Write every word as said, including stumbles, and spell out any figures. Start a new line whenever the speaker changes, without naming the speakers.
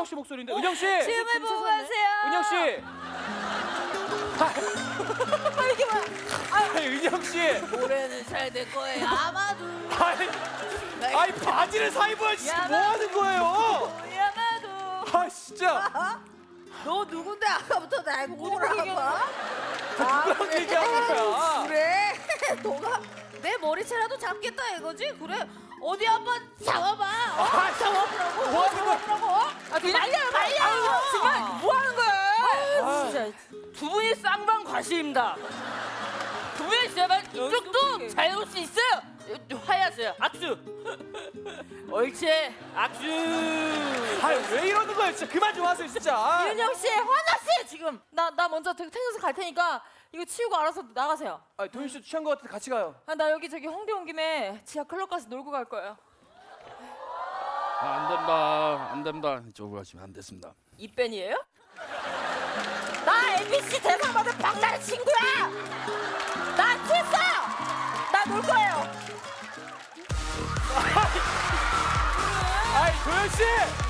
은영 씨 목소리인데. 은영 씨.
시음을 보고 가세요.
은영 씨.
아, 이게 뭐야?
아니, 은영 씨.
올해는 잘 될 거예요. 아마도.
아니, 아니 바지를 사입어야지. 지금 뭐 하는 거예요?
야마도.
아 진짜.
너 누군데 아까부터 날 뭐라고 봐?
누구랑 얘기하는 거야?
그래? 너가 내 머리채라도 잡겠다 이거지? 그래? 어디 한번 잡아봐. 어?
아,
잡아보라고.
뭐 하는 거야?
잡아보라고. 아, 그냥 말려 말려.
아유, 정말 뭐 하는 거야?
아,
진짜 두 분이 쌍방 과시입니다. 두 분이 제발 이쪽도 잘 올 수 있어요. 화해하세요. 악수. 옳지. 악수.
아니 왜 이러는 거야? 진짜 그만 좀 하세요, 진짜.
윤영 씨 화났어요 지금. 나 나 먼저 탱에서 갈 테니까 이거 치우고 알아서 나가세요.
아, 도윤 씨 취한 거 같은데 같이 가요.
아, 나 여기 저기 홍대 온 김에 지하 클럽 가서 놀고 갈 거예요.
아, 안 된다, 안 된다. 이쪽으로 가시면 안 됐습니다.
이벤이에요? 나 엠비씨 대상 받은 박나래 친구야. 나 취했어. 나 놀 거예요.
아이 도윤 씨.